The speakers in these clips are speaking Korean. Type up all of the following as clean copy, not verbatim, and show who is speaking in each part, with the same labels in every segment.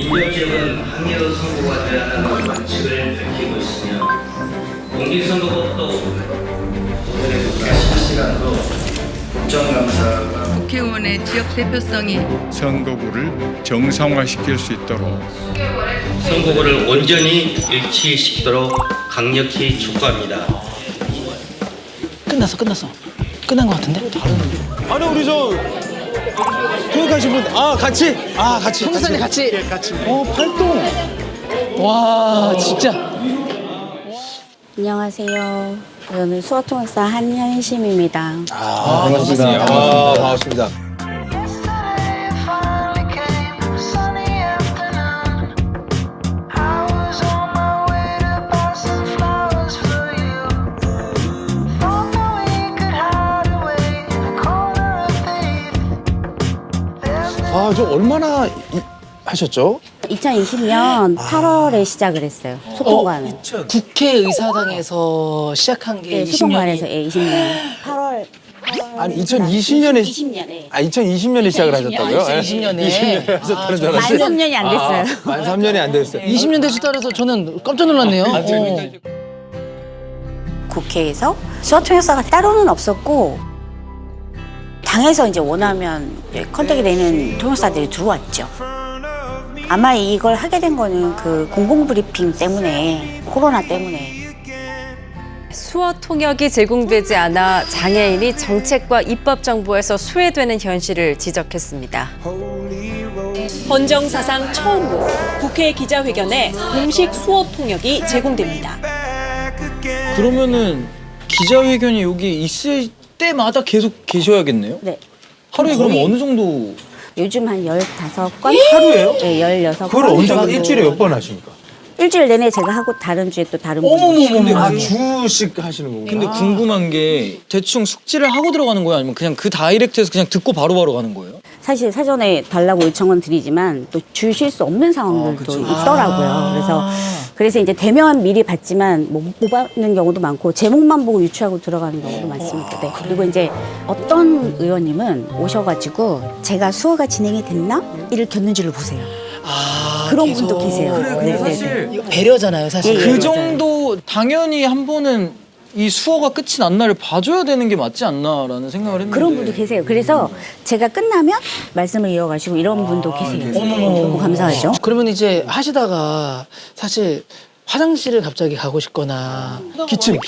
Speaker 1: 인접 지역은 항의로 선고가 되어야 한다는 원칙을 밝히고 있으며 공직선거법도 오늘의 실시간으로 국정감사가
Speaker 2: 국회의원의 지역 대표성이
Speaker 3: 선거구를 정상화시킬 수 있도록
Speaker 1: 선거구를 온전히 일치시키도록 강력히 촉구합니다.
Speaker 4: 끝났어. 끝난 것 같은데?
Speaker 5: 아니 우리 저 교육하신 분 같이
Speaker 4: 총선에 같이.
Speaker 5: 같이 활동
Speaker 4: 와, 진짜.
Speaker 6: 안녕하세요. 저는 수어통역사 한현심입니다.
Speaker 5: 반갑습니다. 반갑습니다. 저 얼마나 하셨죠?
Speaker 6: 2020년 8월에 시작을 했어요. 소통관을.
Speaker 4: 국회의사당에서 시작한 게
Speaker 6: 네,
Speaker 4: 20년이.
Speaker 6: 소통관에서 20년. 8월.
Speaker 5: 아니 2020년에
Speaker 6: 20년에.
Speaker 5: 2020년에 시작을 하셨다고요?
Speaker 4: 2020년에.
Speaker 5: 20년에 하셨다는 줄
Speaker 6: 만
Speaker 5: 알았어요.
Speaker 6: 3년이 안 됐어요.
Speaker 5: 만 3년이 안 됐어요.
Speaker 4: 20년 되셨다 그래서 저는 깜짝 놀랐네요.
Speaker 6: 국회에서 수어통역사가 따로는 없었고 당에서 이제 원하면 이제 컨택이 되는 통역사들이 들어왔죠. 아마 이걸 하게 된 거는 그 공공브리핑 때문에, 코로나 때문에.
Speaker 7: 수어 통역이 제공되지 않아 장애인이 정책과 입법 정보에서 소외되는 현실을 지적했습니다.
Speaker 8: 헌정 사상 처음으로 국회 기자회견에 공식 수어 통역이 제공됩니다.
Speaker 9: 그러면은 기자회견이 여기 있을 때마다 계속 계셔야겠네요?
Speaker 6: 네.
Speaker 9: 하루에 그럼 어느 정도?
Speaker 6: 요즘 한 15건?
Speaker 5: 하루에요?
Speaker 6: 네, 16건.
Speaker 5: 그걸 언제 일주일에 몇 번 하십니까?
Speaker 6: 일주일 내내 제가 하고 다른 주에 또 다른 분이.
Speaker 5: 주씩 하시는 거구나.
Speaker 9: 근데 궁금한 게 대충 숙지를 하고 들어가는 거예요? 아니면 그냥 그 다이렉트에서 그냥 듣고 바로바로 가는 거예요?
Speaker 6: 사실 사전에 달라고 요청은 드리지만 또 주실 수 없는 상황들도 있더라고요. 그래서 이제 대면 미리 받지만 못 받는 경우도 많고 제목만 보고 유추하고 들어가는 경우도 많습니다. 네. 그리고 이제 어떤 의원님은 오셔가지고 제가 수어가 진행이 됐나? 이를 겼는지를 보세요. 그런 분도 계세요.
Speaker 4: 그래, 사실 이거 배려잖아요, 사실.
Speaker 6: 예, 예.
Speaker 9: 그
Speaker 6: 맞아요.
Speaker 9: 정도 당연히 한 번은 이 수어가 끝이 난 날을 봐줘야 되는 게 맞지 않나라는 생각을 했는데
Speaker 6: 그런 분도 계세요. 그래서 제가 끝나면 말씀을 이어가시고 이런 분도 계세요. 너무 감사하죠.
Speaker 4: 그러면 이제 하시다가 사실 화장실을 갑자기 가고 싶거나
Speaker 5: 기침을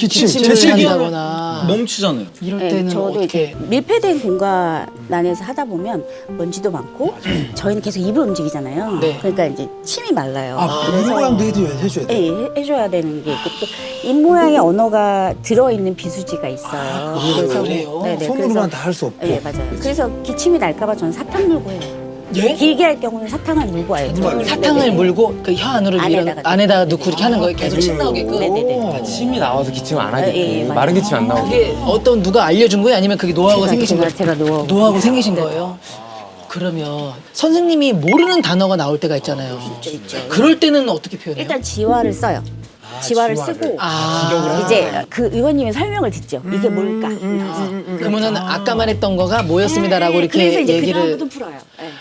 Speaker 4: 한다거나
Speaker 9: 멈추잖아요.
Speaker 4: 이럴
Speaker 6: 네,
Speaker 4: 때는
Speaker 6: 저도
Speaker 4: 어떻게
Speaker 6: 이제 밀폐된 공간 안에서 하다 보면 먼지도 많고 저희는 계속 입을 움직이잖아요.
Speaker 4: 네.
Speaker 6: 그러니까 이제 침이 말라요.
Speaker 5: 입 모양도 해줘야 돼.
Speaker 6: 네, 해줘야 되는 게 있고 또 입 모양의 언어가 들어있는 비수지가 있어요.
Speaker 4: 그래요?
Speaker 6: 네네,
Speaker 5: 손으로만 다 할 수 없고.
Speaker 6: 네, 맞아요. 그래서 기침이 날까봐 저는 사탕 물고 해요.
Speaker 4: 예?
Speaker 6: 길게 할 경우는 사탕을 물고 와요.
Speaker 4: 사탕을
Speaker 6: 네네.
Speaker 4: 물고 그 혀 안으로
Speaker 6: 안에다가
Speaker 4: 넣고 이렇게 하는 거예요. 계속 침 나오게끔.
Speaker 6: 네네네.
Speaker 10: 침이 나와서 기침 안
Speaker 6: 예,
Speaker 10: 하겠고
Speaker 6: 맞아요.
Speaker 10: 마른 기침 안 나오고.
Speaker 4: 그게 어떤 누가 알려준 거예요? 아니면 그게 노하우가 생기신 거예요?
Speaker 6: 제가
Speaker 4: 노하우가 생기신 거예요? 그러면 선생님이 모르는 단어가 나올 때가 있잖아요.
Speaker 6: 있죠.
Speaker 4: 그럴 때는 어떻게 표현해요?
Speaker 6: 일단 지화를 써요. 지화를 쓰고
Speaker 4: 아,
Speaker 6: 이제 그 의원님의 설명을 듣죠. 이게 뭘까?
Speaker 4: 그러면은 아까만 했던 거가 뭐였습니다라고 이렇게
Speaker 6: 그래서 이제
Speaker 4: 얘기를.
Speaker 6: 그다음부터 풀어요. 네.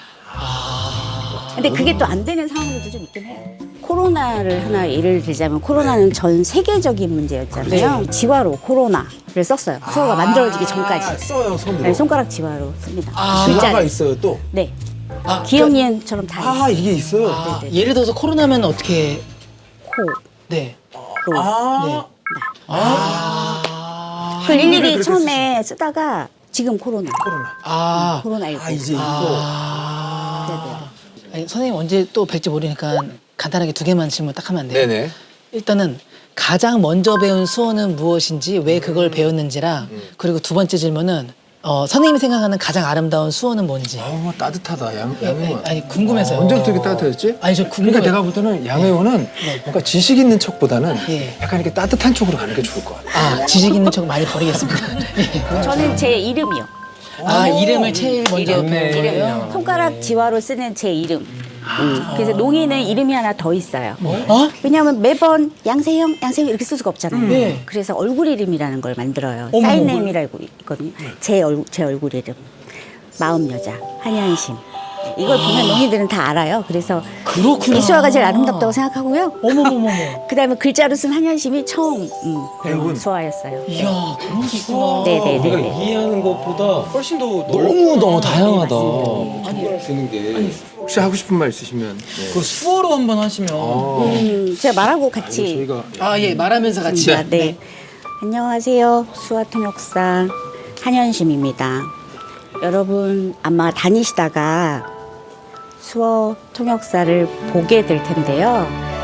Speaker 6: 근데 그게 또 안 되는 상황들도 좀 있긴 해요. 코로나를 하나 예를 들자면 코로나는 전 세계적인 문제였잖아요. 지화로 코로나를 썼어요. 수어가 만들어지기 전까지.
Speaker 5: 써요 손으로.
Speaker 6: 네, 손가락 지화로 씁니다.
Speaker 5: 지화가
Speaker 6: 글자를.
Speaker 5: 있어요 또.
Speaker 6: 네.
Speaker 4: 아,
Speaker 6: 기억니은처럼 다 있어요.
Speaker 5: 이게 있어요.
Speaker 4: 아, 예를 들어서 코로나면 어떻게?
Speaker 6: 코,
Speaker 4: 네.
Speaker 6: 로.
Speaker 4: 네.
Speaker 6: 그 일일이 처음에 쓰다가 지금 코로나.
Speaker 4: 아,
Speaker 6: 코로나19.
Speaker 5: 이제 있고.
Speaker 4: 아니, 선생님 언제 또 뵐지 모르니까 간단하게 두 개만 질문 딱 하면 안 돼요?
Speaker 5: 네네.
Speaker 4: 일단은 가장 먼저 배운 수어는 무엇인지 왜 그걸 배웠는지랑 그리고 두 번째 질문은 선생님이 생각하는 가장 아름다운 수어는 뭔지.
Speaker 5: 따뜻하다 양의원.
Speaker 4: 아니 궁금해서요.
Speaker 5: 언제부터 이렇게 따뜻했지?
Speaker 4: 아니 저 궁금해요.
Speaker 5: 그러니까 내가 볼 때는 양의원은 뭔가 지식 있는 척보다는
Speaker 4: 예.
Speaker 5: 약간 이렇게 따뜻한 쪽으로 가는 게 좋을 것 같아.
Speaker 4: 아 지식 있는 척 많이 버리겠습니다. 예.
Speaker 6: 저는 제 이름이요.
Speaker 4: 아 이름을 제일 먼저 배운
Speaker 6: 이름.
Speaker 4: 거예요?
Speaker 6: 손가락 지화로 쓰는 제 이름. 그래서 농이는 이름이 하나 더 있어요.
Speaker 4: 어?
Speaker 6: 왜냐하면 매번 양세형 이렇게 쓸 수가 없잖아요.
Speaker 4: 네.
Speaker 6: 그래서 얼굴 이름이라는 걸 만들어요.
Speaker 4: 어머,
Speaker 6: 사인네임이라고 있거든요. 제 얼굴 이름. 마음 여자 한현심. 이걸 보면 농이들은 다 알아요. 그래서
Speaker 4: 그렇구나.
Speaker 6: 이수아가 제일 아름답다고 생각하고요.
Speaker 4: 어머머머머.
Speaker 6: 그다음에 글자로 쓴 한현심이 처음 배운 수아였어요.
Speaker 4: 이야, 그런 게 있구나.
Speaker 6: 네네네.
Speaker 5: 이해하는 것보다
Speaker 9: 훨씬 더
Speaker 5: 너무 다양하다.
Speaker 6: 맞습니다.
Speaker 5: 되는 게 혹시 하고 싶은 말 있으시면
Speaker 9: 그 수어로 한번 하시면
Speaker 6: 제가 말하고 같이
Speaker 5: 저희가
Speaker 4: 아, 예, 말하면서 같이.
Speaker 6: 네. 안녕하세요. 수아통역사 한현심입니다. 여러분 아마 다니시다가 수어 통역사를 보게 될 텐데요.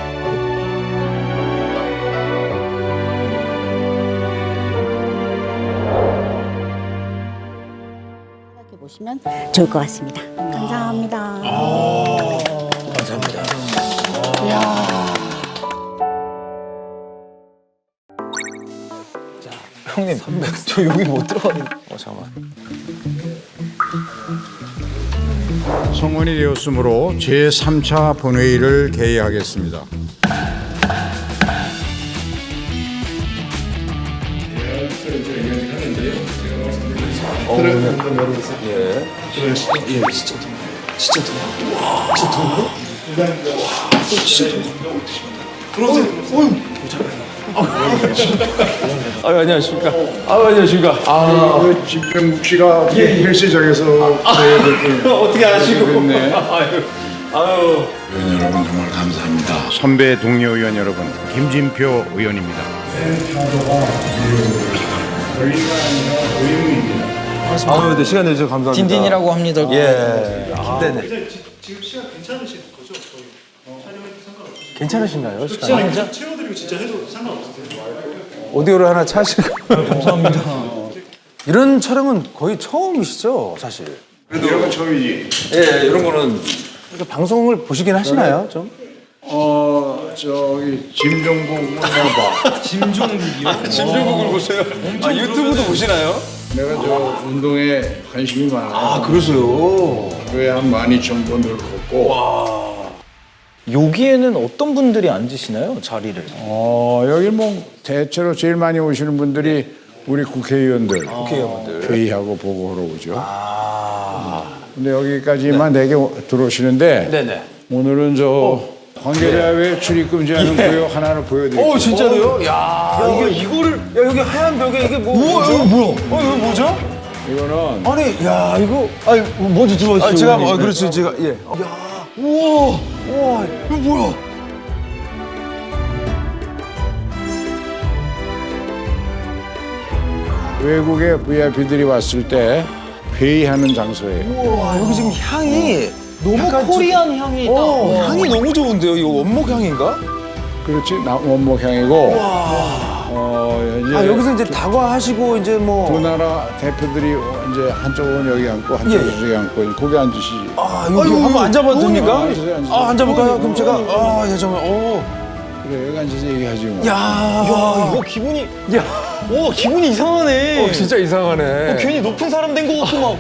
Speaker 6: 생각해 보시면 좋을 것 같습니다. 감사합니다.
Speaker 5: 형님 저 여기 못 들어가는. 잠깐만.
Speaker 3: 성원이 되었으므로 제3차 본회의를 개의하겠습니다.
Speaker 5: 아유 안녕하십니까. 아유 안녕하십니까.
Speaker 3: 집병국 씨가 헬스장에서
Speaker 5: 어떻게 아시고?
Speaker 3: 의원 여러분 정말 감사합니다. 선배 동료 의원 여러분, 김진표 의원입니다.
Speaker 5: 아유 네 시간 내주셔서 감사합니다.
Speaker 9: 딘딘이라고 합니다.
Speaker 5: 예. 네네. 지금 시간 괜찮으신 거죠? 괜찮으신가요? 시간 채워드리고 진짜 해도 상관없으세요? 오디오를 하나 차시고.
Speaker 9: 감사합니다.
Speaker 5: 이런 촬영은 거의 처음이시죠, 사실.
Speaker 3: 이런 건 처음이지.
Speaker 5: 예, 이런 거는 이렇게 방송을 보시긴 하시나요, 좀?
Speaker 3: 저기 김종국 나봐.
Speaker 5: 진중국을 보세요. 유튜브도 보시나요?
Speaker 3: 내가 저 운동에 관심이 많아.
Speaker 5: 아, 그러세요.
Speaker 3: 그에 한 12,000번을 걷고.
Speaker 9: 여기에는 어떤 분들이 앉으시나요? 자리를?
Speaker 3: 여기 뭐 대체로 제일 많이 오시는 분들이 우리 국회의원들, 회의하고 보고하러 오죠. 근데 여기까지만 4개 들어오시는데
Speaker 5: 네네.
Speaker 3: 오늘은 저 관계자회 출입금지하는 구역 하나를 보여드릴게요.
Speaker 5: 진짜로요? 야, 이거를 야 여기 하얀 벽에 이게 뭐? 이거 뭐야? 이거 뭐죠?
Speaker 3: 이거는
Speaker 5: 아니, 야 이거.
Speaker 9: 아니 먼저 들어가시죠.
Speaker 5: 아, 제가
Speaker 9: 의원님.
Speaker 5: 그렇지 제가 예. 야, 우와, 이거 뭐야?
Speaker 3: 외국의 VIP들이 왔을 때 회의하는 장소예요.
Speaker 5: 와, 여기 지금 향이
Speaker 9: 너무
Speaker 5: 약간
Speaker 9: 코리안 향이 있다.
Speaker 5: 향이 너무 좋은데요? 이거 원목 향인가?
Speaker 3: 그렇지, 원목향이고. 이제
Speaker 5: 아 여기서 이제 다과하시고 이제 뭐.
Speaker 3: 두 나라 대표들이 이제 한쪽은 여기 앉고 한쪽은
Speaker 5: 예.
Speaker 3: 저기 앉고 고개 앉으시지.
Speaker 5: 아 여기 한번 앉아봐도 됩니까?
Speaker 3: 앉으세요, 앉으세요.
Speaker 5: 아 앉아볼까요? 그럼 제가 예 정말
Speaker 3: 그래, 여기 앉아서 얘기하지 뭐.
Speaker 5: 야,
Speaker 9: 이거 기분이 오 기분이 이상하네.
Speaker 5: 진짜 이상하네.
Speaker 9: 괜히 높은 사람 된 것 같고 막.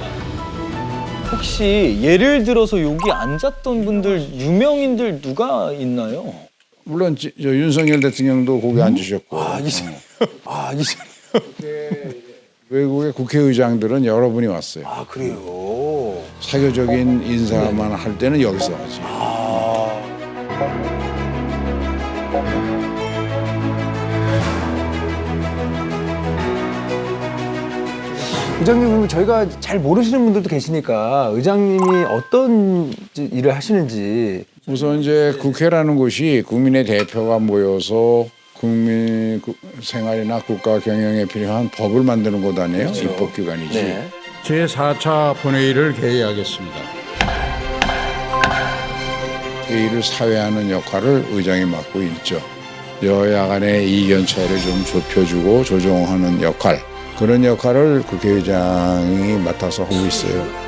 Speaker 9: 혹시 예를 들어서 여기 앉았던 분들 유명인들 누가 있나요?
Speaker 3: 물론 저 윤석열 대통령도 거기 앉으셨고.
Speaker 5: 이제.
Speaker 3: 외국의 국회의장들은 여러분이 왔어요.
Speaker 5: 아 그래요.
Speaker 3: 사교적인 인사만 할 때는 여기서 하지.
Speaker 5: 의장님 저희가 잘 모르시는 분들도 계시니까 의장님이 어떤 일을 하시는지.
Speaker 3: 우선 이제 국회라는 곳이 국민의 대표가 모여서 국민 생활이나 국가 경영에 필요한 법을 만드는 곳 아니에요? 입법기관이지.
Speaker 5: 네.
Speaker 3: 제4차 본회의를 개의하겠습니다. 회의를 사회하는 역할을 의장이 맡고 있죠. 여야 간의 이견 차이를 좀 좁혀주고 조정하는 역할, 그런 역할을 국회의장이 맡아서 하고 있어요.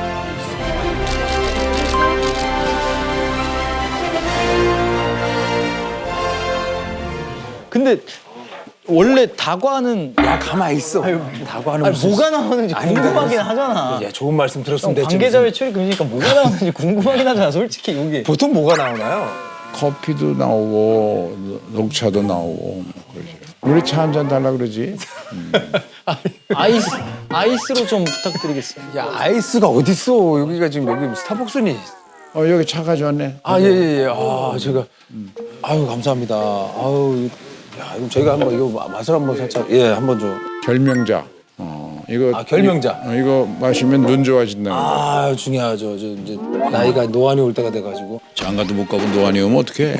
Speaker 9: 근데 원래 다과는
Speaker 5: 야 가만히 있어. 다과는 무슨.
Speaker 9: 뭐가 나오는지
Speaker 5: 아니,
Speaker 9: 궁금하긴 하잖아.
Speaker 5: 야 좋은 말씀 들었습니다.
Speaker 9: 관계자회 출입 금지니까 뭐가 나오는지 궁금하긴 하잖아, 솔직히 여기.
Speaker 5: 보통 뭐가 나오나요?
Speaker 3: 커피도 나오고 녹차도 나오고 뭐 그러죠. 우리 차 한 잔 달라 그러지.
Speaker 9: 아이스로 좀 부탁드리겠습니다.
Speaker 5: 야 아이스가 어딨어? 여기가 지금 여기 스타벅스니.
Speaker 3: 여기 차 가져왔네.
Speaker 5: 아, 예, 예, 예. 아, 제가. 아유, 감사합니다. 아유, 야, 이거 저희가 한번 이거 맛을 한번 살짝, 예, 한번 좀.
Speaker 3: 결명자. 이거.
Speaker 5: 아, 결명자.
Speaker 3: 이거 마시면 눈 좋아진다.
Speaker 5: 아, 중요하죠. 저 이제 나이가 노안이 올 때가 돼가지고.
Speaker 3: 장가도 못 가고 노안이 오면 어떡해.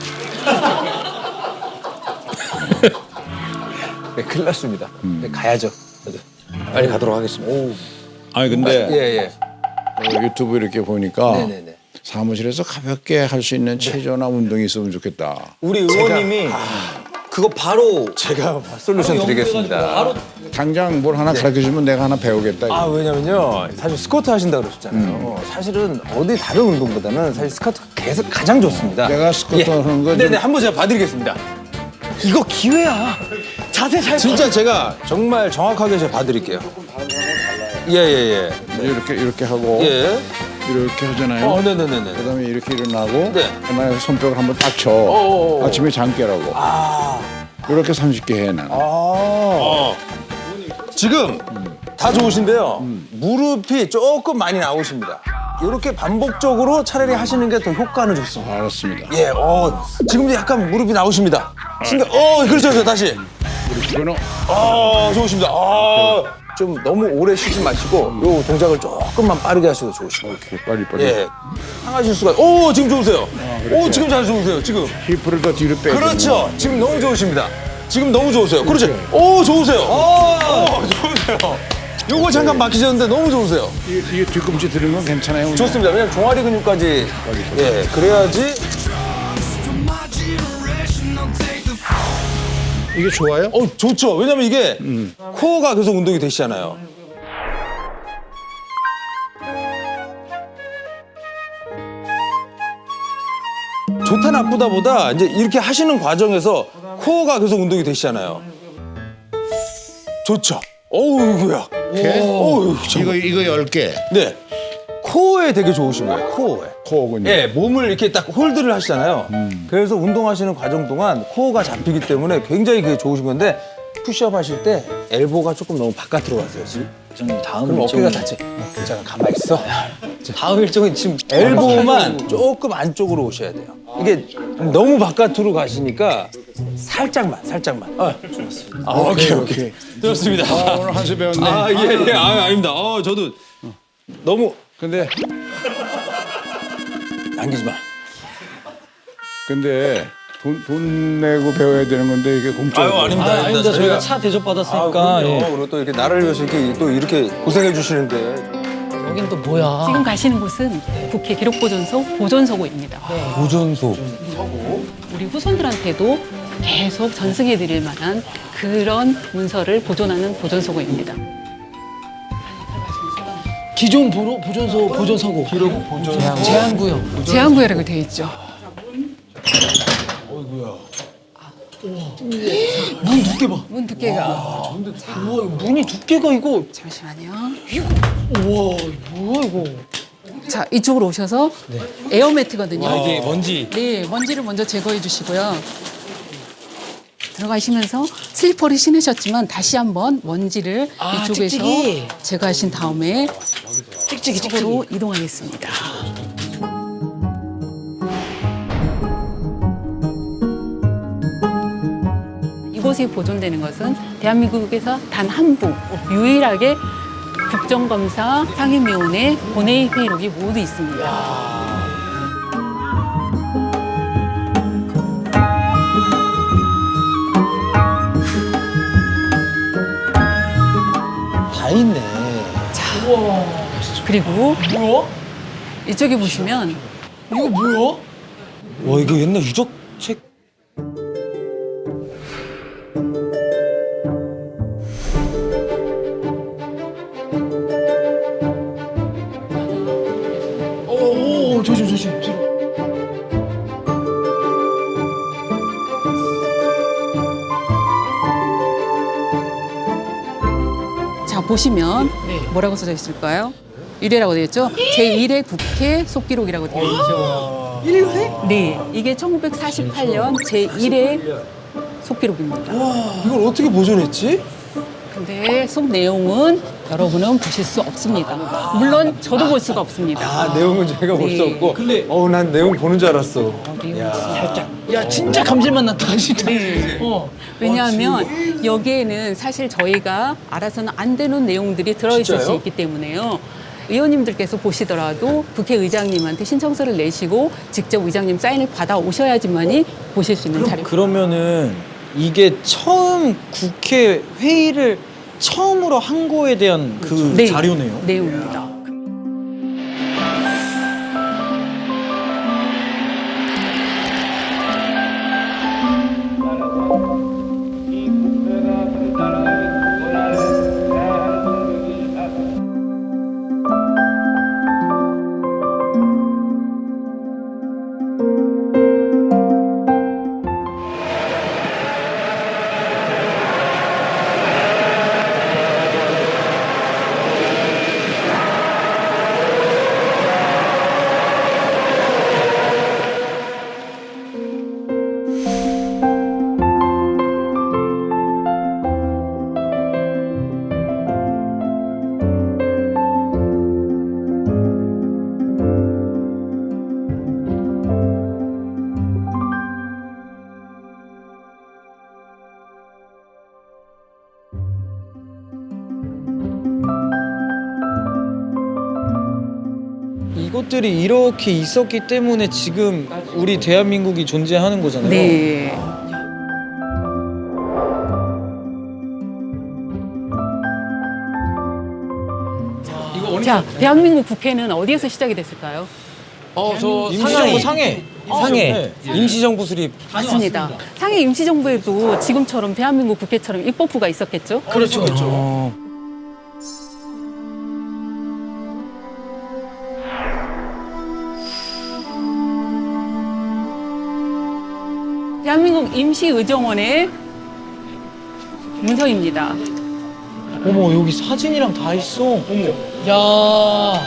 Speaker 5: 네, 큰일 났습니다. 네, 가야죠. 빨리 가도록 하겠습니다. 오.
Speaker 3: 아니, 근데.
Speaker 5: 예, 예.
Speaker 3: 유튜브 이렇게 보니까.
Speaker 5: 네네네.
Speaker 3: 사무실에서 가볍게 할 수 있는 체조나 운동이 있으면 좋겠다.
Speaker 9: 우리 의원님이 그거 바로
Speaker 5: 제가 솔루션 드리겠습니다.
Speaker 3: 당장 뭘 하나 가르쳐주면 내가 하나 배우겠다.
Speaker 5: 아, 왜냐면요. 사실 스쿼트 하신다고 그러셨잖아요. 사실은 어디 다른 운동보다는 사실 스쿼트가 계속 가장 좋습니다.
Speaker 3: 내가 스쿼트 하는 거
Speaker 5: 네네,
Speaker 3: 좀-
Speaker 5: 한번 제가 봐드리겠습니다.
Speaker 9: 이거 기회야. 자세 잘
Speaker 5: 진짜 제가 정말 정확하게 제가 봐드릴게요. 예, 예,
Speaker 3: 이렇게 하고
Speaker 5: 예. 예.
Speaker 3: 이렇게 하잖아요.
Speaker 5: 네네네네.
Speaker 3: 그다음에 이렇게 일어나고
Speaker 5: 네.
Speaker 3: 그다음에 손뼉을 한번 딱 쳐.
Speaker 5: 어어어.
Speaker 3: 아침에 잠 깨라고. 이렇게 30개 해 나는.
Speaker 5: 지금 다 좋으신데요. 무릎이 조금 많이 나오십니다. 이렇게 반복적으로 차라리 하시는 게 더 효과는 좋습니다.
Speaker 3: 알았습니다.
Speaker 5: 예, 지금도 약간 무릎이 나오십니다. 그렇죠, 다시.
Speaker 3: 이거는
Speaker 5: 좋으십니다. 좀 너무 오래 쉬지 마시고 요 동작을 조금만 빠르게 하셔도 좋으십니다.
Speaker 3: 빨리.
Speaker 5: 예, 상하실 수가. 지금 좋으세요. 지금 잘 좋으세요. 지금.
Speaker 3: 힙을 더 뒤로 빼.
Speaker 5: 그렇죠. 지금 너무 좋으십니다. 지금 너무 좋으세요. 그렇죠. 좋으세요. 좋으세요. 요거 잠깐 막히셨는데 너무 좋으세요.
Speaker 3: 이게 뒤꿈치 드는 건 괜찮아요.
Speaker 5: 좋습니다. 왜냐면 종아리 근육까지 그래야지.
Speaker 3: 이게 좋아요?
Speaker 5: 좋죠. 왜냐면 이게 코어가 계속 운동이 되시잖아요. 좋다 나쁘다보다 이제 이렇게 하시는 과정에서 코어가 계속 운동이 되시잖아요. 좋죠. 이거야.
Speaker 3: 이거 10개.
Speaker 5: 네. 코어에 되게 좋으신 거예요. 코어에.
Speaker 3: 코어군요.
Speaker 5: 예, 몸을 이렇게 딱 홀드를 하시잖아요. 그래서 운동하시는 과정 동안 코어가 잡히기 때문에 굉장히 그게 좋으신 건데 푸시업 하실 때 엘보가 조금 너무 바깥으로 가세요. 지금.
Speaker 9: 회장님 다음
Speaker 5: 그럼
Speaker 9: 일정은
Speaker 5: 어깨가 다치. 괜찮아, 가만히 있어.
Speaker 9: 다음 일정은 지금
Speaker 5: 엘보만 조금 안쪽으로 오셔야 돼요. 이게 너무 바깥으로 가시니까 살짝만. 오케이. 좋습니다.
Speaker 3: 오늘 한 수 배웠네.
Speaker 5: 예. 아닙니다. 저도 너무
Speaker 3: 근데
Speaker 5: 남기지 마.
Speaker 3: 돈 내고 배워야 되는 건데 이게 공짜로.
Speaker 9: 아닙니다. 저희가 차 대접 받았으니까.
Speaker 5: 그리고 또 이렇게 나를 위해서 이렇게 고생해 주시는데.
Speaker 4: 여긴 또 뭐야?
Speaker 10: 지금 가시는 곳은 국회 기록보존소 보존서고입니다.
Speaker 5: 보존소.
Speaker 10: 우리 후손들한테도 계속 전승해드릴 만한 그런 문서를 보존하는 보존서고입니다.
Speaker 4: 기존 보존서고. 제한구역.
Speaker 10: 제한구역이라고 되어 있죠.
Speaker 4: 문 두께 봐.
Speaker 10: 문 두께가.
Speaker 4: 우와, 문이 두께가 이거.
Speaker 10: 잠시만요.
Speaker 4: 우와, 뭐야 이거.
Speaker 10: 자, 이쪽으로 오셔서 에어매트거든요.
Speaker 9: 이게 먼지.
Speaker 10: 네, 먼지를 먼저 제거해 주시고요. 들어가시면서 슬리퍼를 신으셨지만 다시 한번 먼지를 이쪽에서
Speaker 4: 찍찍이.
Speaker 10: 제거하신 다음에
Speaker 4: 찍찍이.
Speaker 10: 쪽으로 이동하겠습니다. 이곳에 보존되는 것은 대한민국에서 단 한 부, 유일하게 국정감사 상임위원회 본회의 회의록이 모두 있습니다.
Speaker 5: 다 있네.
Speaker 10: 그리고 이쪽에 보시면
Speaker 4: 이거 뭐야?
Speaker 5: 와, 이거 옛날 유적책.
Speaker 4: 조심.
Speaker 10: 자 보시면 뭐라고 써져 있을까요? 1회라고 되어 있죠? 제1회 국회 속기록이라고 되어 있죠.
Speaker 4: 1회?
Speaker 10: 네, 이게 1948년 제1회 속기록입니다.
Speaker 5: 이걸 어떻게 보존했지?
Speaker 10: 근데 속 내용은 여러분은 보실 수 없습니다. 물론 저도 볼 수가 없습니다.
Speaker 5: 아, 내용은 저희가 볼 수
Speaker 10: 네.
Speaker 5: 없고. 근데 난 내용 보는 줄 알았어.
Speaker 4: 야 진짜 감질맛 났다 진짜.
Speaker 10: 왜냐하면 여기에는 사실 저희가 알아서는 안 되는 내용들이 들어있을 수
Speaker 5: 진짜요?
Speaker 10: 있기 때문에요. 의원님들께서 보시더라도 국회의장님한테 신청서를 내시고 직접 의장님 사인을 받아 오셔야지만이 보실 수 있는 자료.
Speaker 9: 그러면은 이게 처음 국회 회의를 처음으로 한 거에 대한 그
Speaker 10: 네,
Speaker 9: 자료네요.
Speaker 10: 내용입니다.
Speaker 9: 이것들이 이렇게 있었기 때문에 지금 우리 대한민국이 존재하는 거잖아요.
Speaker 10: 네. 자, 대한민국 국회는 어디에서 시작이 됐을까요?
Speaker 9: 임시정부 상해.
Speaker 5: 상해. 임시정부 수립.
Speaker 10: 맞습니다. 상해 임시정부에도 지금처럼 대한민국 국회처럼 입법부가 있었겠죠?
Speaker 5: 그렇죠.
Speaker 10: 대한민국 임시의정원의 문서입니다.
Speaker 9: 어머, 여기 사진이랑 다 있어.
Speaker 4: 야.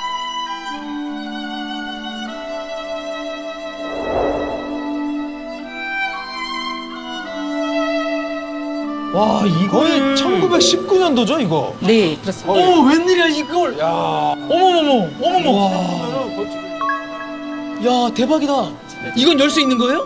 Speaker 5: 와, 이거는 1919년도죠, 이거?
Speaker 10: 네, 그렇습니다.
Speaker 5: 웬일이야, 이걸. 야.
Speaker 4: 어머머머. 야 대박이다. 이건 열 수 있는 거예요?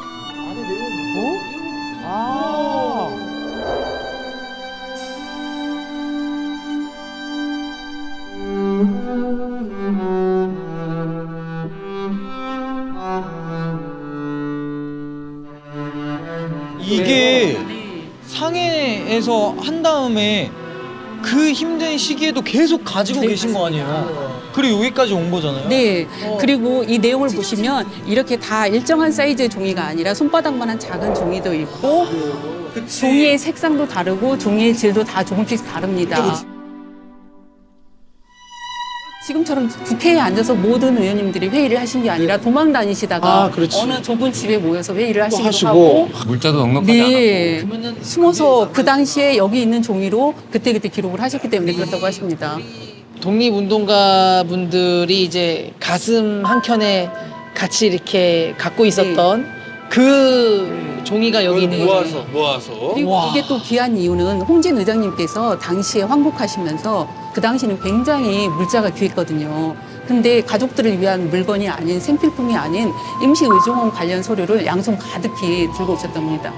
Speaker 9: 이게 상해에서 한 다음에 그 힘든 시기에도 계속 가지고 계신 거 아니에요? 그리고 여기까지 온 거잖아요.
Speaker 10: 네. 그리고 이 내용을 보시면 이렇게 다 일정한 사이즈의 종이가 아니라 손바닥만한 작은 종이도 있고 종이의 색상도 다르고 종이의 질도 다 조금씩 다릅니다. 지금처럼 국회에 앉아서 모든 의원님들이 회의를 하신 게 아니라 도망 다니시다가 어느 좁은 집에 모여서 회의를 하시기도 하고
Speaker 11: 물자도 넉넉하지
Speaker 10: 네, 숨어서 그 당시에 여기 있는 종이로 그때그때 기록을 하셨기 때문에 그렇다고 하십니다.
Speaker 4: 독립운동가 분들이 이제 가슴 한켠에 같이 이렇게 갖고 있었던 그 종이가 여기 있는 거죠.
Speaker 10: 그리고 이게 또 귀한 이유는 홍진 의장님께서 당시에 황복하시면서 그 당시는 굉장히 물자가 귀했거든요. 근데 가족들을 위한 물건이 아닌 생필품이 아닌 임시의정원 관련 서류를 양손 가득히 들고 오셨답니다.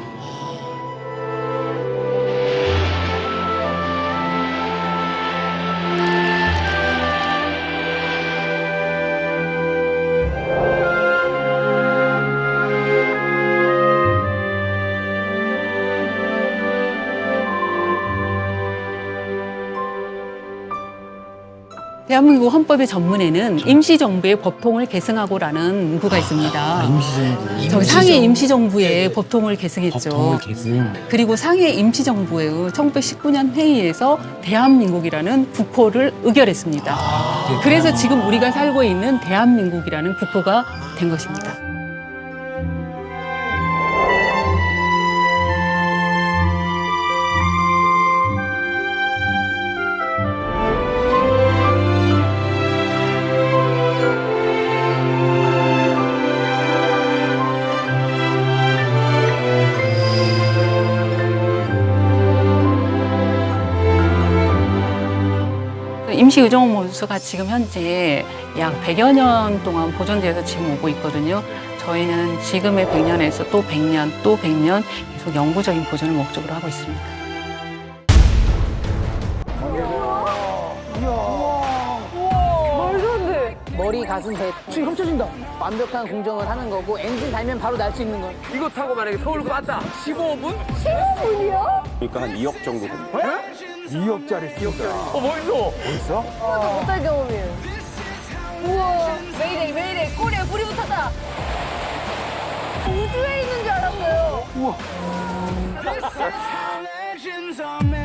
Speaker 10: 대한민국 헌법의 전문에는 임시정부의 법통을 계승하고라는 문구가 있습니다. 저희 상해 임시정부의 법통을 계승했죠. 그리고 상해 임시정부의 1919년 회의에서 대한민국이라는 국호를 의결했습니다. 그래서 지금 우리가 살고 있는 대한민국이라는 국호가 된 것입니다. 임시 의정원수가 지금 현재 약 100여 년 동안 보존되어서 지금 오고 있거든요. 저희는 지금의 100년에서 또 100년, 또 100년 계속 영구적인 보존을 목적으로 하고 있습니다.
Speaker 4: 머리, 가슴, 배 지금 훔쳐진다. 완벽한 공정을 하는 거고 엔진 달면 바로 날 수 있는 거.
Speaker 11: 이거 타고 만약에 서울 갔다 15분?
Speaker 12: 15분이요?
Speaker 11: 그러니까 한 2억 정도 됩니다.
Speaker 5: 2억짜리 쓰다.
Speaker 11: 멋있어.
Speaker 5: 멋있어?
Speaker 12: 하나도 못할 경험이에요. 우와, 메이데이, 꼬리에 불이 붙었다. 우주에 있는 줄 알았어요.
Speaker 5: 우와.